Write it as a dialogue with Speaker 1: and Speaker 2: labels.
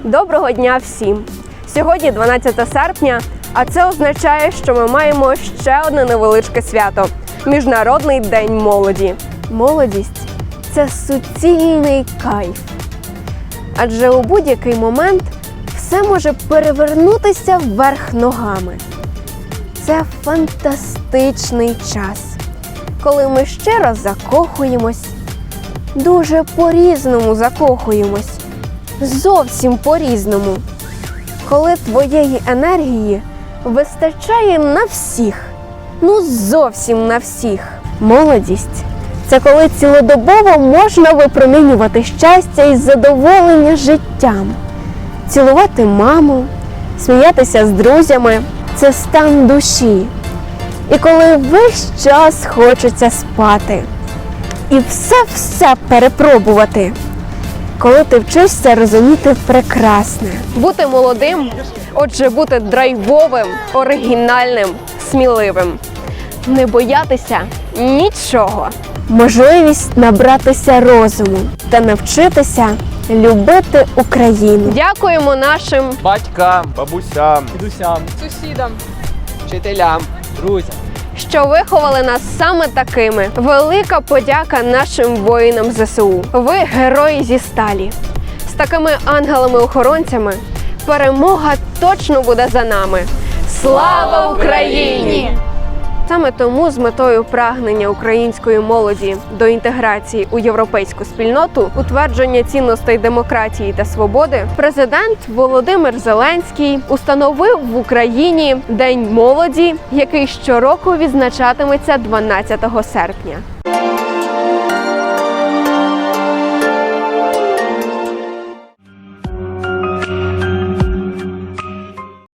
Speaker 1: Доброго дня всім! Сьогодні 12 серпня, а це означає, що ми маємо ще одне невеличке свято – Міжнародний день молоді. Молодість – це суцільний кайф. Адже у будь-який момент все може перевернутися вверх ногами. Це фантастичний час, коли ми щиро закохуємось, дуже по-різному закохуємось, зовсім по-різному. Коли твоєї енергії вистачає на всіх, зовсім на всіх. Молодість – це коли цілодобово можна випромінювати щастя і задоволення життям, цілувати маму, сміятися з друзями – це стан душі. І коли весь час хочеться спати і все перепробувати, коли ти вчишся розуміти прекрасне. Бути молодим – отже, бути драйвовим, оригінальним, сміливим. Не боятися нічого. Можливість набратися розуму та навчитися любити Україну. Дякуємо нашим
Speaker 2: батькам, бабусям,
Speaker 3: дідусям,
Speaker 4: сусідам,
Speaker 3: вчителям, друзям,
Speaker 1: що виховали нас саме такими. Велика подяка нашим воїнам ЗСУ. Ви герої зі сталі. З такими ангелами-охоронцями перемога точно буде за нами. Слава Україні! Саме тому з метою прагнення української молоді до інтеграції у європейську спільноту, утвердження цінностей демократії та свободи, президент Володимир Зеленський установив в Україні День молоді, який щороку відзначатиметься 12 серпня.